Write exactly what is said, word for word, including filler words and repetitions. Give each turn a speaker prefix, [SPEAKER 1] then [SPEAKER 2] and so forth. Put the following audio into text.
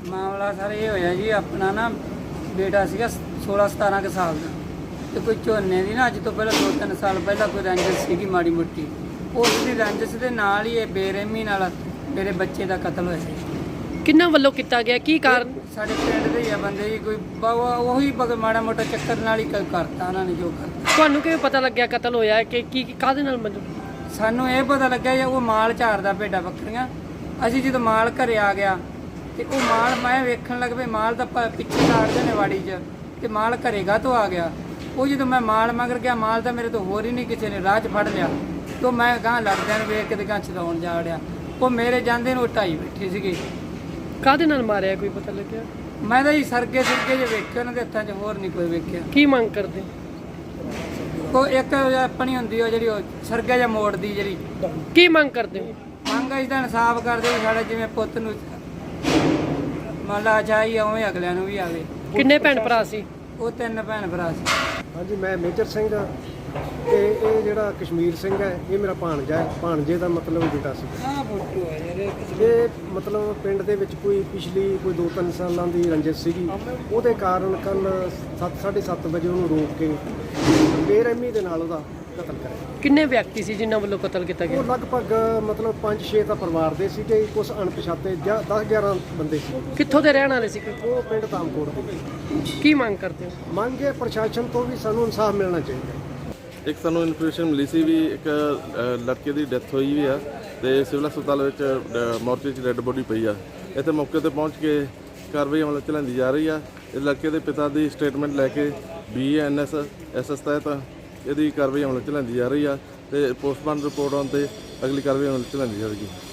[SPEAKER 1] ਮਾਮਲਾ ਸਰ ਇਹ ਹੋਇਆ ਜੀ, ਆਪਣਾ ਨਾ ਬੇਟਾ ਸੀਗਾ ਸੋਲਾਂ ਸਤਾਰਾਂ ਕੁ ਸਾਲ ਦਾ, ਤੇ ਕੋਈ ਝੋਨੇ ਦੀ ਨਾ ਅੱਜ ਤੋਂ ਪਹਿਲਾਂ ਦੋ ਤਿੰਨ ਸਾਲ ਪਹਿਲਾਂ ਕੋਈ ਰੰਜਿਸ਼ ਸੀਗੀ ਮਾੜੀ ਮੋਟੀ। ਉਸ ਦੀ ਰੰਜਿਸ਼ ਦੇ ਨਾਲ ਹੀ ਇਹ ਬੇਰਹਿਮੀ ਨਾਲ ਮੇਰੇ ਬੱਚੇ ਦਾ ਕਤਲ ਹੋਇਆ ਜੀ।
[SPEAKER 2] ਕਿੰਨਾਂ ਵੱਲੋਂ ਕੀਤਾ ਗਿਆ, ਕੀ ਕਾਰਨ?
[SPEAKER 1] ਸਾਡੇ ਪਿੰਡ ਦੇ ਹੀ ਆ ਬੰਦੇ ਜੀ, ਕੋਈ ਬ- ਉਹੀ ਬਗ ਮਾੜਾ ਮੋਟਾ ਚੱਕਰ ਨਾਲ ਹੀ ਕ- ਕਰਤਾ ਉਹਨਾਂ ਨੇ ਜੋ ਕਰਤਾ।
[SPEAKER 2] ਤੁਹਾਨੂੰ ਕਿਵੇਂ ਪਤਾ ਲੱਗਿਆ ਕਤਲ ਹੋਇਆ ਹੈ ਕਿ ਕੀ ਕਾਹਦੇ ਨਾਲ ਮਤਲਬ?
[SPEAKER 1] ਸਾਨੂੰ ਇਹ ਪਤਾ ਲੱਗਿਆ ਜੀ ਉਹ ਮਾਲ ਝਾੜਦਾ ਭੇਡਾਂ ਬੱਕਰੀਆਂ। ਅਸੀਂ ਜਦੋਂ ਮਾਲ ਘਰੇ ਆ ਗਿਆ ਤੇ ਉਹ ਮਾਲ ਮੈਂ ਵੇਖਣ ਲੱਗ ਪਈ, ਮਾਲ ਤਾਂ ਪ- ਪਿੱਛੇ ਝਾੜਦੇ ਨੇ ਵਾੜੀ 'ਚ, ਤੇ ਮਾਲ ਘਰੇਗਾ ਤੋਂ ਆ ਗਿਆ। ਉਹ ਜਦੋਂ ਮੈਂ ਮਾਲ ਮਗਰ ਗਿਆ, ਮਾਲ ਤਾਂ ਮੇਰੇ ਤੋਂ ਹੋਰ ਹੀ ਨਹੀਂ ਕਿਸੇ ਨੇ ਰਾਹ 'ਚ ਫੜ ਲਿਆ। ਤੋਂ ਮੈਂ ਗਾਂ ਲੜਦਿਆਂ ਨੂੰ ਵੇਖ ਕੇ ਤੇ ਗਾਂ ਚਲਾਉਣ ਜਾ ਵੜਿਆ। ਉਹ ਮੇਰੇ ਜਾਂਦੇ ਨੂੰ ਢਾਈ ਬੈਠੀ ਸੀਗੀ।
[SPEAKER 2] ਕਾਹਦੇ ਨਾਲ ਮਾਰਿਆ ਕੋਈ ਪਤਾ ਲੱਗਿਆ?
[SPEAKER 1] ਮੈਂ ਤਾਂ ਜੀ ਸਰਗੇ ਸਰਗੇ ਜੇ ਵੇਖੇ ਉਹਨਾਂ ਦੇ ਹੱਥਾਂ 'ਚ, ਹੋਰ ਨਹੀਂ ਕੋਈ ਵੇਖਿਆ।
[SPEAKER 2] ਕੀ ਮੰਗ ਕਰਦੇ?
[SPEAKER 1] ਉਹ ਇੱਕ ਆਪਣੀ ਹੁੰਦੀ ਉਹ ਜਿਹੜੀ ਉਹ ਸਰਗਾ ਜਾਂ ਮੋੜਦੀ ਜਿਹੜੀ
[SPEAKER 2] ਕੀ ਮੰਗ ਕਰਦੇ ਹੋ?
[SPEAKER 1] ਮੰਗ ਇਸ ਦਾ ਇਨਸਾਫ ਕਰਦੇ ਵੀ ਸਾਡਾ ਜਿਵੇਂ ਪੁੱਤ ਨੂੰ ਮੰਨ ਲਾ ਚਾਹੀ ਉਵੇਂ ਅਗਲਿਆਂ ਨੂੰ ਵੀ ਆਵੇ।
[SPEAKER 2] ਕਿੰਨੇ ਭੈਣ ਭਰਾ ਸੀ?
[SPEAKER 1] ਉਹ ਤਿੰਨ ਭੈਣ ਭਰਾ ਸੀ।
[SPEAKER 3] ਹਾਂਜੀ, ਮੈਂ ਮੇਜਰ ਸਿੰਘ ਤੇ ਇਹ ਜਿਹੜਾ ਕਸ਼ਮੀਰ ਸਿੰਘ ਹੈ ਇਹ ਮੇਰਾ ਭਾਣਜਾ ਹੈ। ਭਾਣਜੇ ਦਾ ਮਤਲਬ ਬੇਟਾ ਸੀ।
[SPEAKER 1] ਆਹ ਫੋਟੋ ਹੈ ਯਾਰ
[SPEAKER 3] ਇਹ ਮਤਲਬ ਪਿੰਡ ਦੇ ਵਿੱਚ ਕੋਈ ਪਿਛਲੀ ਕੋਈ ਦੋ ਤਿੰਨ ਸਾਲਾਂ ਦੀ ਰੰਜਿਸ਼ ਸੀਗੀ। ਉਹਦੇ ਕਾਰਨ ਕੱਲ ਸੱਤ ਸਾਢੇ ਸੱਤ ਵਜੇ ਉਹਨੂੰ ਰੋਕ ਕੇ ਬੇਰਹਿਮੀ ਦੇ ਨਾਲ ਉਹਦਾ ਕਤਲ ਕਰਿਆ।
[SPEAKER 2] ਕਿੰਨੇ ਵਿਅਕਤੀ ਸੀ ਜਿਨ੍ਹਾਂ ਵੱਲੋਂ ਕਤਲ ਕੀਤਾ
[SPEAKER 3] ਉਹ
[SPEAKER 2] ਗਿਆ?
[SPEAKER 3] ਲਗਭਗ ਮਤਲਬ ਪੰਜ ਛੇ ਤਾਂ ਪਰਿਵਾਰ ਦੇ ਸੀਗੇ, ਕੁਝ ਅਣਪਛਾਤੇ ਦਸ ਗਿਆਰਾਂ ਬੰਦੇ ਸੀ।
[SPEAKER 2] ਕਿੱਥੋਂ ਦੇ ਰਹਿਣ ਵਾਲੇ ਸੀ?
[SPEAKER 3] ਉਹ ਪਿੰਡ ਤਾਮਕੋਟ ਦੇ।
[SPEAKER 2] ਕੀ ਮੰਗ ਕਰਦੇ ਹੋ?
[SPEAKER 3] ਮੰਗ ਹੈ ਪ੍ਰਸ਼ਾਸਨ ਤੋਂ ਵੀ ਸਾਨੂੰ ਇਨਸਾਫ ਮਿਲਣਾ ਚਾਹੀਦਾ।
[SPEAKER 4] ਇੱਕ ਸਾਨੂੰ ਇਨਫੋਰਮੇਸ਼ਨ ਮਿਲੀ ਸੀ ਵੀ ਇੱਕ ਅ, ਲੜਕੇ ਦੀ ਡੈਥ ਹੋਈ ਵੀ ਆ ਤੇ ਸਿਵਲ ਹਸਪਤਾਲ ਵਿੱਚ ਅ, ਮੋਰਚੇ 'ਚ ਡੈੱਡ ਬੋਡੀ ਪਈ ਆ। ਇੱਥੇ ਮੌਕੇ ਤੇ ਪਹੁੰਚ ਕੇ ਕਾਰਵਾਈ ਅਮਲ 'ਚ ਲਿਆਂਦੀ ਜਾ ਰਹੀ ਆ। ਇਸ ਲੜਕੇ ਦੇ ਪਿਤਾ ਦੀ ਸਟੇਟਮੈਂਟ ਲੈ ਕੇ B N S S S ਤਹਿਤ ਇਹਦੀ ਕਾਰਵਾਈ ਅਮਲ 'ਚ ਲਿਆਂਦੀ ਜਾ ਰਹੀ ਆ ਤੇ ਪੋਸਟਮਾਰਟਮ ਰਿਪੋਰਟ ਆਉਣ ਤੇ ਅਗਲੀ ਕਾਰਵਾਈ ਅਮਲ 'ਚ ਲਿਆਂਦੀ ਜਾਵੇਗੀ।